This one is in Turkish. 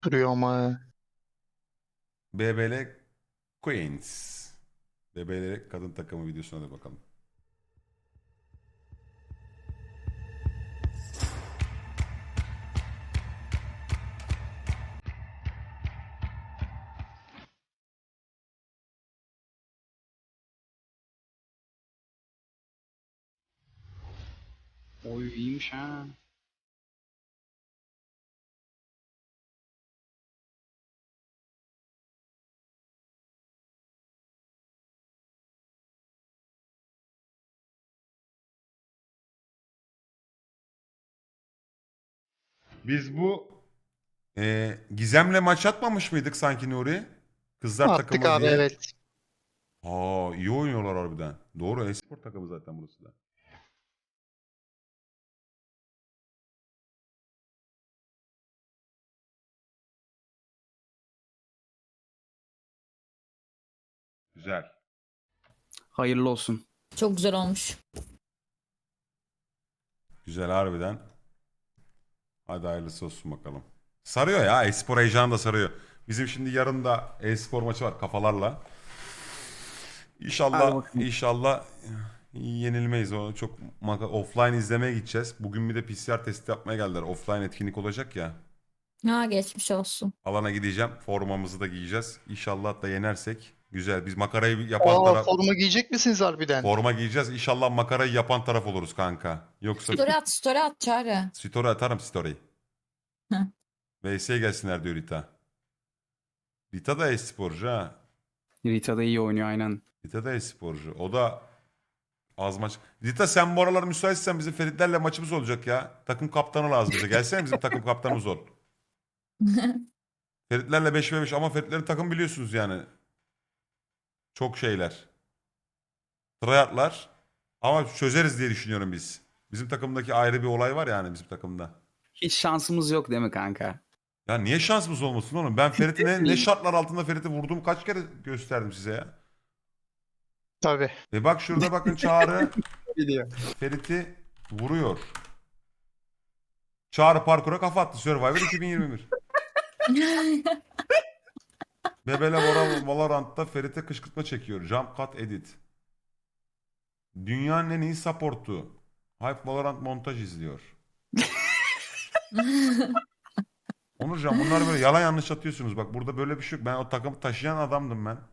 Duruyor ama. BBL Queens. BBL kadın takımı videosuna da bakalım. Oy iyiymiş ha. Biz bu Gizem'le maç atmamış mıydık sanki Nuri? Kızlar Attık takımı abi, diye. evet. Aa, iyi oynuyorlar harbiden. Doğru, espor takımı zaten burası da. Güzel. Hayırlı olsun. Çok güzel olmuş. Güzel harbiden. Hadi hayırlısı olsun bakalım. Sarıyor ya, espor heyecanı da sarıyor. Bizim şimdi yarın da espor maçı var kafalarla. Hadi İnşallah bakalım. inşallah yenilmeyiz. O çok offline izlemeye gideceğiz. Bugün bir de PCR testi yapmaya geldiler. Offline etkinlik olacak ya. Ha, geçmiş olsun. Alana gideceğim. Formamızı da giyeceğiz. İnşallah da yenersek. Güzel. Biz makarayı yapan Aa, taraf forma giyecek misiniz harbiden? forma giyeceğiz. İnşallah makarayı yapan taraf oluruz kanka. Yoksa Story at Çağrı. story atarım story. Hı. VS'ye gelsinler diyor Rita. Rita da e-sporcu ha. Rita da iyi oynuyor aynen. Rita da e-sporcu. O da az maç. Rita sen bu aralar müsaitsen bizim Feritlerle maçımız olacak ya. Takım kaptanı lazım bize. Gelsene bizim takım kaptanımız ol. Feritlerle 5v5 ama Feritlerin takım biliyorsunuz yani. Çok şeyler. Tryhardlar. Ama çözeriz diye düşünüyorum biz. Bizim takımdaki ayrı bir olay var yani bizim takımda. Hiç şansımız yok değil mi kanka? Ya niye şansımız olmasın oğlum? Ben Ferit'i ne şartlar altında Ferit'i vurduğumu kaç kere gösterdim size ya. Tabii. Bak şurada bakın Çağrı Biliyor. Ferit'i vuruyor. Çağrı parkura kafa attı Survivor 2021. Bebele Valorant'ta Ferit'e kışkırtma çekiyor. Jump cut edit. Dünyanın en iyi support'u. Hype Valorant montaj izliyor. Onurcan bunlar böyle yalan yanlış atıyorsunuz. Bak burada böyle bir şey yok. Ben o takımı taşıyan adamdım ben.